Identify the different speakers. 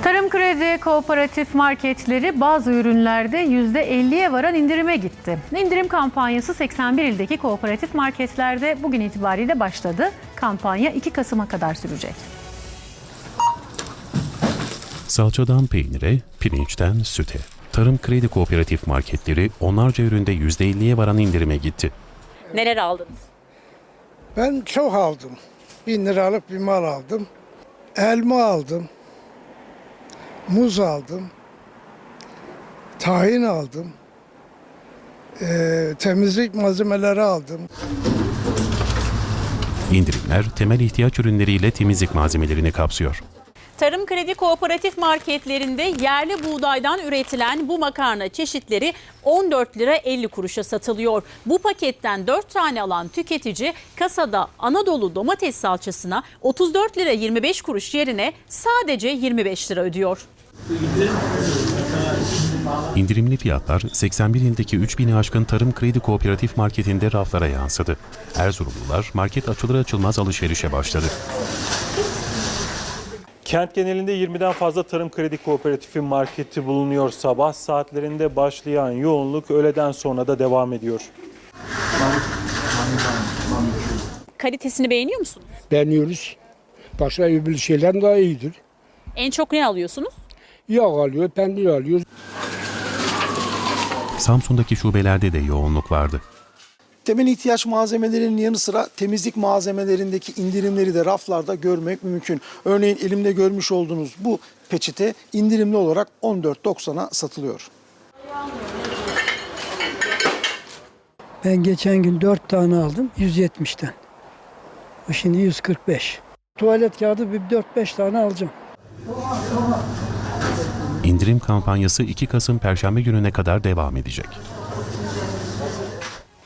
Speaker 1: Tarım Kredi Kooperatif marketleri bazı ürünlerde %50'ye varan indirime gitti. İndirim kampanyası 81 ildeki kooperatif marketlerde bugün itibariyle başladı. Kampanya 2 Kasım'a kadar sürecek.
Speaker 2: Salçadan peynire, pirinçten süte. Tarım Kredi Kooperatif marketleri onlarca üründe %50'ye varan indirime gitti.
Speaker 3: Neler aldınız?
Speaker 4: Ben çok aldım. 1000 liralık bir mal aldım. Elma aldım. Muz aldım. Tahin aldım. Temizlik malzemeleri aldım.
Speaker 2: İndirimler temel ihtiyaç ürünleriyle temizlik malzemelerini kapsıyor.
Speaker 3: Tarım Kredi Kooperatif marketlerinde yerli buğdaydan üretilen bu makarna çeşitleri 14 lira 50 kuruşa satılıyor. Bu paketten 4 tane alan tüketici kasada Anadolu domates salçasına 34 lira 25 kuruş yerine sadece 25 lira ödüyor.
Speaker 2: İndirimli fiyatlar 81 ildeki 3000'i aşkın Tarım Kredi Kooperatif marketinde raflara yansıdı. Erzurumlular market açılır açılmaz alışverişe başladı.
Speaker 5: Kent genelinde 20'den fazla Tarım Kredi Kooperatifi marketi bulunuyor. Sabah saatlerinde başlayan yoğunluk öğleden sonra da devam ediyor.
Speaker 3: Kalitesini beğeniyor musunuz?
Speaker 6: Beğeniyoruz. Başka bir şeyler daha iyidir.
Speaker 3: En çok ne alıyorsunuz?
Speaker 6: Yağ alıyor, peynir alıyor.
Speaker 2: Samsun'daki şubelerde de yoğunluk vardı.
Speaker 7: Temel ihtiyaç malzemelerinin yanı sıra temizlik malzemelerindeki indirimleri de raflarda görmek mümkün. Örneğin elimde görmüş olduğunuz bu peçete indirimli olarak 14.90'a satılıyor.
Speaker 8: Ben geçen gün 4 tane aldım 170'ten. Bu şimdi 145. Tuvalet kağıdı bir 4-5 tane alacağım.
Speaker 2: İndirim kampanyası 2 Kasım Perşembe gününe kadar devam edecek.